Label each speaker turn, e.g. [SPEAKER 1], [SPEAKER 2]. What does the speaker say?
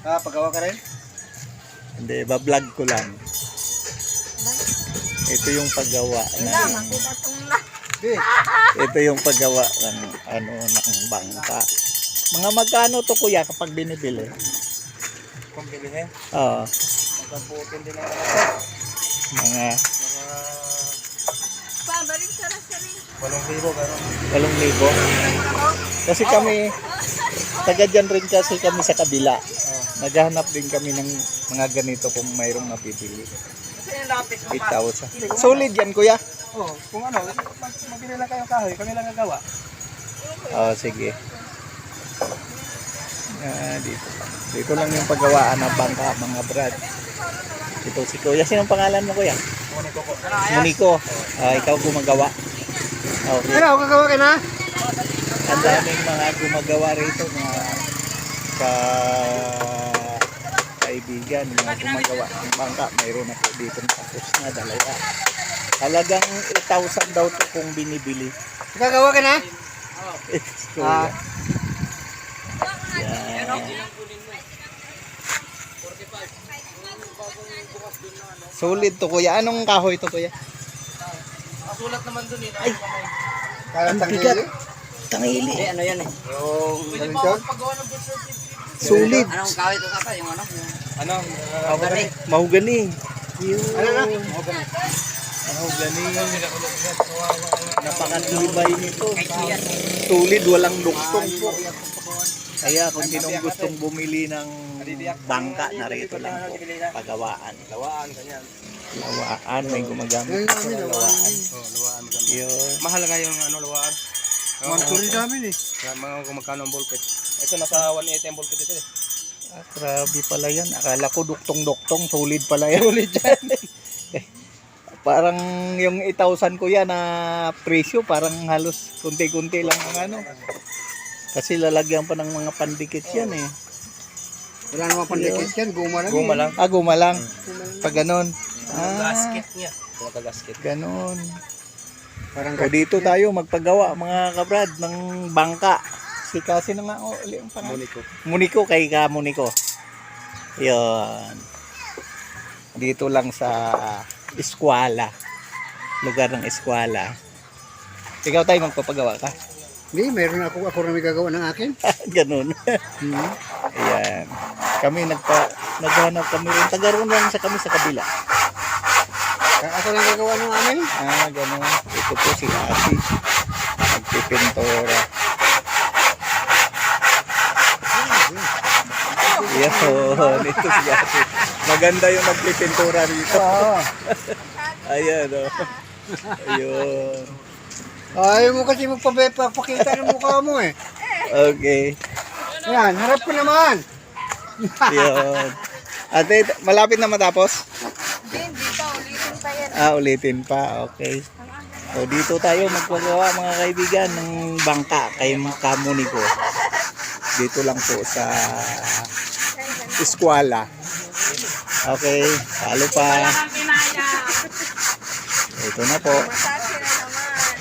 [SPEAKER 1] Ah, pagawa ka rin?
[SPEAKER 2] Hindi, bablog ko lang. Ito yung paggawa ng ito yung paggawa ng ano ng bangka. Mga magkano to kuya kapag binibili?
[SPEAKER 1] Kung bilihin.
[SPEAKER 2] Oo.
[SPEAKER 1] Magkabutin din ang
[SPEAKER 2] Mga
[SPEAKER 3] Pabalik sa rin.
[SPEAKER 1] 8,000 gano'n.
[SPEAKER 2] 8,000. Kasi kami taga dyan rin kasi kami sa kabila. Naghahanap din kami ng mga ganito kung mayroong mapipili.
[SPEAKER 1] Kasi yung lapis mo
[SPEAKER 2] 8,000. Solid yan kuya.
[SPEAKER 1] Oo, kung ano, magbili lang kayong kahoy, kami lang gagawa.
[SPEAKER 2] Oh, sige. Dito. Dito lang yung paggawaan ng bangka, mga brad. Ito si kuya. Sinong pangalan mo kuya?
[SPEAKER 1] Moniko ko.
[SPEAKER 2] Moniko. Ikaw gumagawa. Okay.
[SPEAKER 1] Ano, gagawa ka na?
[SPEAKER 2] Ang daming mga gumagawa rito, mga kaibigan, mga gumagawa ng bangka. Mayroon ako dito tapos na dalawa. Halagang 8,000 daw to kung binibili.
[SPEAKER 1] Gagawa ka na?
[SPEAKER 2] It's kuya. Yan. Solid to kuya. Anong kahoy to kuya?
[SPEAKER 1] Masulat naman dun eh.
[SPEAKER 2] Ay! Ang bigat. Tangili.
[SPEAKER 4] Hindi, ano yan eh. Yung...
[SPEAKER 1] Dimension?
[SPEAKER 2] Solid.
[SPEAKER 4] Anong kawit ito kaka? Yung ano?
[SPEAKER 1] Ano?
[SPEAKER 2] Mahugani.
[SPEAKER 1] Ano na?
[SPEAKER 2] Mahugani. Napakatibay nito. Solid, walang duktong po. Kaya kung sinong gustong bumili ng bangka, narito lang po. Pagawaan.
[SPEAKER 1] Lawaan, ganyan.
[SPEAKER 2] Lawaan, may gumagamit sa lawaan.
[SPEAKER 1] Oo, lawaan.
[SPEAKER 2] Yun.
[SPEAKER 1] Mahal nga yung ano, lawaan.
[SPEAKER 5] Mansuri sa amin eh.
[SPEAKER 1] Mga kung magkano ang ballpet. Ito nasa 180 ang ballpet ito eh.
[SPEAKER 2] Grabe pala yan. Akala ko duktong-duktong. Solid pala yan. Solid yan. Parang yung 8,000 ko yan na presyo, parang halos kunti-kunti lang ang ano. Kasi lalagyan pa ng mga pandikit yan eh.
[SPEAKER 5] Wala naman pandikit yan, guma lang.
[SPEAKER 1] Guma lang.
[SPEAKER 2] Guma lang. Pag ganon.
[SPEAKER 1] Gasket niya. Gasket.
[SPEAKER 2] Ganon.
[SPEAKER 5] Parang
[SPEAKER 2] O dito tayo magpagawa mga kabrad ng bangka. Si kasi na nga uli ang pangalan.
[SPEAKER 1] Moniko.
[SPEAKER 2] Muniko kay ka Muniko. Yun. Dito lang sa eskwela. Lugar ng eskwela. Ikaw tayo magpapagawa ka.
[SPEAKER 5] Hindi, meron ako na may gagawa ng akin.
[SPEAKER 2] Ganun. Ayan. Kami naghanap kami rin. Tagaroon lang sa kami sa kabila.
[SPEAKER 5] Ako na gagawa ng amin.
[SPEAKER 2] Ganun. Ito po si Ate. Nagpipintura. Yan. Ito si Ate. Maganda yung nagpipintura rito. Ayan o. Ayun.
[SPEAKER 5] Ayaw mo kasi magpapakita ng mukha mo eh.
[SPEAKER 2] Okay.
[SPEAKER 5] Yan, harap ko naman.
[SPEAKER 2] Yun. Ate, malapit na matapos?
[SPEAKER 3] Hindi pa, ulitin pa yan.
[SPEAKER 2] Ulitin pa. Okay. So, dito tayo magpagawa mga kaibigan ng bangka kay Kamuniko. Dito lang po sa eskwela. Okay. Talo pa. Ito na po.